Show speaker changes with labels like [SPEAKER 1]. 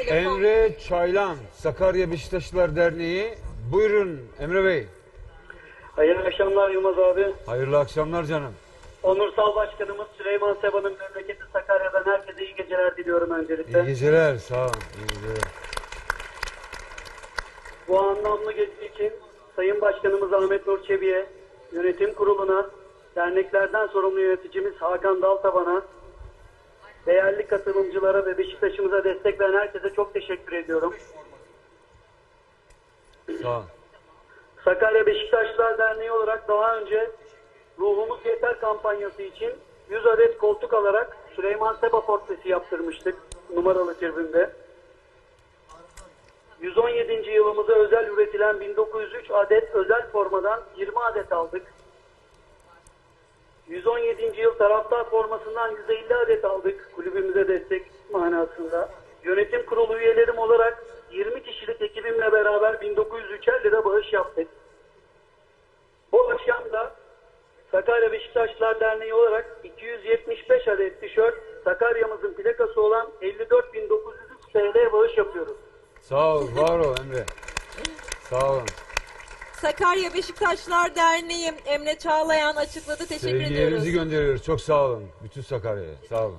[SPEAKER 1] Telefon.
[SPEAKER 2] Emre Çaylan, Sakarya Beşiktaşlılar Derneği. Buyurun Emre Bey.
[SPEAKER 3] Hayırlı akşamlar Yılmaz abi.
[SPEAKER 2] Hayırlı akşamlar canım.
[SPEAKER 3] Onursal Başkanımız Süleyman Seba'nın memleketi Sakarya'dan herkese iyi geceler diliyorum öncelikle.
[SPEAKER 2] İyi geceler, sağ olun. İyi geceler.
[SPEAKER 3] Bu anlamlı gezi için Sayın Başkanımız Ahmet Nur Çebi'ye, yönetim kuruluna, derneklerden sorumlu yöneticimiz Hakan Daltaban'a, değerli katılımcılara ve Beşiktaş'ımıza destek veren herkese çok teşekkür ediyorum.
[SPEAKER 2] Sağ olun.
[SPEAKER 3] Sakarya Beşiktaşlılar Derneği olarak daha önce Ruhumuz Yeter kampanyası için 100 adet koltuk alarak Süleyman Seba portresi yaptırmıştık numaralı tribünde. 117. yılımıza özel üretilen 1903 adet özel formadan 20 adet aldık. 117. yıl taraftar formasından 150 adet aldık kulübümüze destek manasında. Yönetim kurulu üyelerim olarak 20 kişilik ekibimle beraber 1903'er lira bağış yaptık. Bu akşam da Sakarya Beşiktaşlılar Derneği olarak 275 adet tişört, Sakarya'mızın plakası olan 54.903 TL bağış yapıyoruz.
[SPEAKER 2] Sağ ol, var ol Emre. Sağ olun.
[SPEAKER 1] Sakarya Beşiktaşlılar Derneği Emre Çağlayan açıkladı. Teşekkür ediyoruz.
[SPEAKER 2] Sevgilerinizi gönderiyoruz. Çok sağ olun. Bütün Sakarya'ya. Sağ olun.